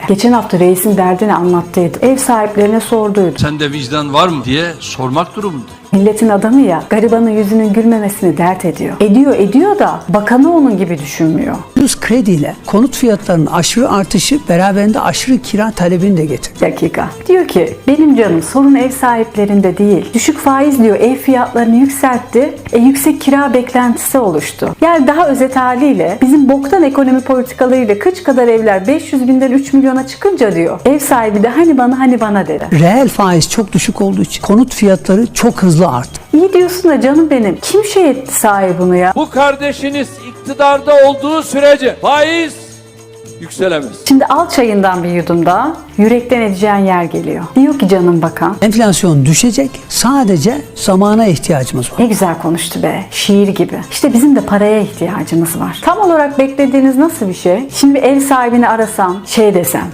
Geçen hafta reisin derdini anlattıydı. Ev sahiplerine sorduydu. Sende vicdan var mı diye sormak durumunda. Milletin adamı ya, garibanın yüzünün gülmemesini dert ediyor. Ediyor da bakanı onun gibi düşünmüyor. Ucuz krediyle konut fiyatlarının aşırı artışı beraberinde aşırı kira talebini de getirdi. Dakika. Diyor ki benim canım sorun ev sahiplerinde değil. Düşük faiz diyor ev fiyatlarını yükseltti. Yüksek kira beklentisi oluştu. Yani daha özet haliyle bizim boktan ekonomi politikalarıyla kıç kadar evler 500 binden 3 milyona çıkınca diyor. Ev sahibi de hani bana dedi. Reel faiz çok düşük olduğu için konut fiyatları çok hızlı arttı. İyi diyorsun da canım benim. Kim şey etti sahi bunu ya? Bu kardeşiniz iktidarda olduğu sürece faiz yükselemez. Şimdi al çayından bir yudum daha. Yürekten edeceğin yer geliyor. Diyor ki canım bakan. Enflasyon düşecek. Sadece zamana ihtiyacımız var. Ne güzel konuştu be. Şiir gibi. İşte bizim de paraya ihtiyacımız var. Tam olarak beklediğiniz nasıl bir şey? Şimdi bir ev sahibini arasam, şey desem.